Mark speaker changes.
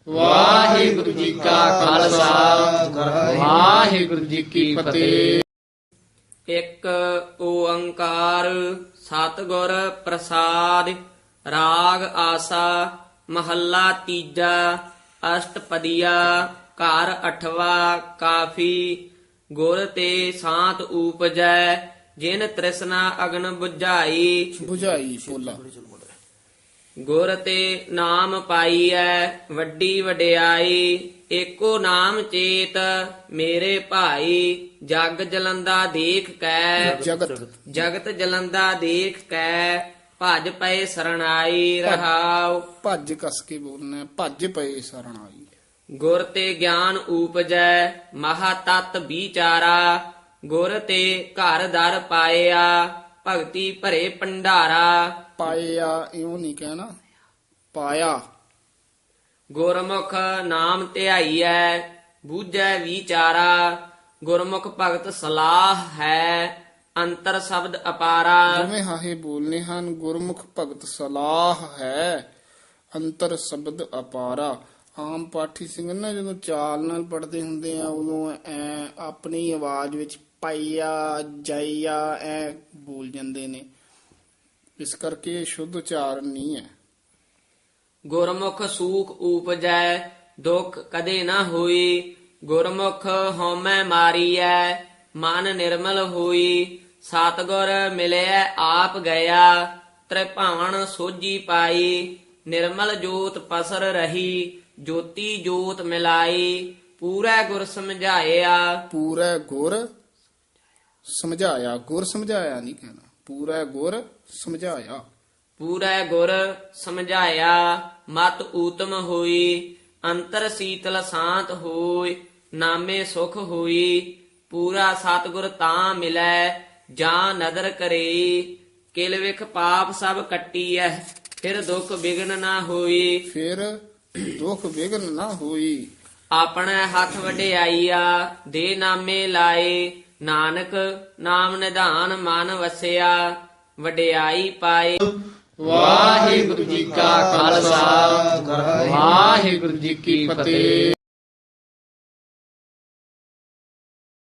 Speaker 1: ਵਾਹਿਗੁਰੂ ਜੀ ਕਾ ਖਾਲਸਾ ਵਾਹਿਗੁਰੂ ਜੀ ਕੀ ਫਤਿਹ।
Speaker 2: ਇੱਕ ਓੰਕਾਰ ਸਤਿਗੁਰ ਪ੍ਰਸਾਦ। ਰਾਗ ਆਸਾ ਮਹੱਲਾ ਤੀਜਾ। ਅਸ਼ਟਪਦੀਆ ਘਰ ਅਠਵਾ ਕਾਫੀ। ਗੁਰ ਤੇ ਸਾਤ ਊਪਜੈ ਜਿਨ ਤ੍ਰਿਸ਼ਨਾ ਅਗਨ ਬੁਝਾਈ।
Speaker 1: ਬੁਝਾਈ ਪੋਲਾ।
Speaker 2: ਗੁਰ ਤੇ ਨਾਮ ਪਾਈਐ ਵੱਡੀ ਵਡਿਆਈ। ਏਕੋ ਨਾਮ ਚੇਤ ਮੇਰੇ ਭਾਈ। ਜਗ ਜਲੰਦਾ ਦੇਖ ਕੈ ਜਗਤ ਜਲੰਦਾ ਦੇਖ ਕੈ ਭਜ ਪਏ ਸਰਣਾਈ। ਰਹਾਉ
Speaker 1: ਭੱਜ ਕਸ ਕੇ ਬੋਲਣਾ ਹੈ, ਭੱਜ ਪਏ ਸ਼ਰਨ ਆਈ।
Speaker 2: ਗੁਰ ਤੇ ਗਿਆਨ ਊਪਜੈ ਮਹਾ ਤਤ ਵਿਚਾਰਾ। ਗੁਰ ਤੇ ਘਰ ਦਰ ਪਾਇਆ ਭਗਤੀ ਭਰੇ ਭੰਡਾਰਾ।
Speaker 1: ਪਾਇਆ ਇਉਂ ਨਹੀਂ ਕਹਿਣਾ, ਪਾਇਆ।
Speaker 2: ਗੁਰਮੁਖ ਨਾਮ ਧਿਆਈਐ ਬੂਝੈ ਵਿਚਾਰਾ। ਗੁਰਮੁਖ ਭਗਤ ਸਲਾਹ ਹੈ ਅੰਤਰ ਸ਼ਬਦ ਅਪਾਰਾ।
Speaker 1: ਜਿਵੇਂ ਹਾਹੇ ਬੋਲਨੇ ਹਨ। ਗੁਰਮੁਖ ਭਗਤ ਸਲਾਹ ਹੈ ਅੰਤਰ ਸ਼ਬਦ ਅਪਾਰਾ। ਆਮ ਪਾਠੀ ਸਿੰਘ ਨਾ ਜਦੋਂ ਚਾਲ ਨਾਲ ਪੜ੍ਹਦੇ ਹੁੰਦੇ ਆ ਉਦੋਂ ਐ ਆਪਣੀ ਆਵਾਜ਼ ਵਿੱਚ ਪਾਈਆ ਜਾਈਆ ਐ ਬੋਲ ਜਾਂਦੇ ਨੇ, ਇਸ ਕਰਕੇ ਇਹ ਸ਼ੁੱਧ ਉਚਾਰਨ ਨਹੀਂ ਹੈ।
Speaker 2: ਗੁਰਮੁਖ ਸੂਖ ਊਪਜੈ ਦੁਖ ਕਦੇ ਨਾ ਹੋਈ। ਗੁਰਮੁਖ ਹਉਮੈ ਮਾਰੀਐ ਮਨ ਨਿਰਮਲ ਹੋਈ। ਸਤਿਗੁਰ ਮਿਲਿਆ ਆਪ ਗਿਆ ਤ੍ਰਿਭਾਵਨ ਸੋਝੀ ਪਾਈ। ਨਿਰਮਲ ਜੋਤ ਪਸਰ ਰਹੀ ਜੋਤੀ ਜੋਤ ਮਿਲਾਈ। ਪੂਰਾ ਗੁਰ ਸਮਝਾਇਆ
Speaker 1: ਪੂਰਾ ਗੁਰ ਸਮਝਾਇਆ। ਗੁਰ ਸਮਝਾਇਆ ਨਹੀਂ ਕਹਿਣਾ, ਪੂਰਾ ਗੁਰ ਸਮਝਾਇਆ।
Speaker 2: ਪੂਰਾ ਗੁਰ ਸਮਝਾਇਆ ਮਤ ਊਤਮ ਹੋਈ। ਅੰਤਰ ਸੀਤਲ ਸ਼ਾਂਤ ਹੋਈ ਨਾਮੇ ਸੁਖ ਹੋਈ। ਪੂਰਾ ਸਤਿਗੁਰ ਤਾਂ ਮਿਲੈ ਜਾਂ ਨਦਰ ਕਰੇ। ਕਿਲ ਵਿਖ ਪਾਪ ਸਭ ਕੱਟੀਐ ਫਿਰ ਦੁਖ ਬਿਗਨ ਨਾ ਹੋਈ।
Speaker 1: ਫਿਰ ਦੁਖ ਵਿਗਨ ਨਾ ਹੋਈ।
Speaker 2: ਆਪਣੇ ਹੱਥ ਵਡਿਆਈਆ ਦੇ ਨਾਮੇ ਲਾਏ। ਨਾਨਕ ਨਾਮ ਨਿਧਾਨ ਮਨ ਵਸਿਆ ਵਡਿਆਈ ਪਾਏ।
Speaker 1: ਵਾਹਿਗੁਰੂ ਜੀ ਕਾ ਖਾਲਸਾ ਵਾਹਿਗੁਰੂ ਜੀ ਕੀ ਫਤਿਹ।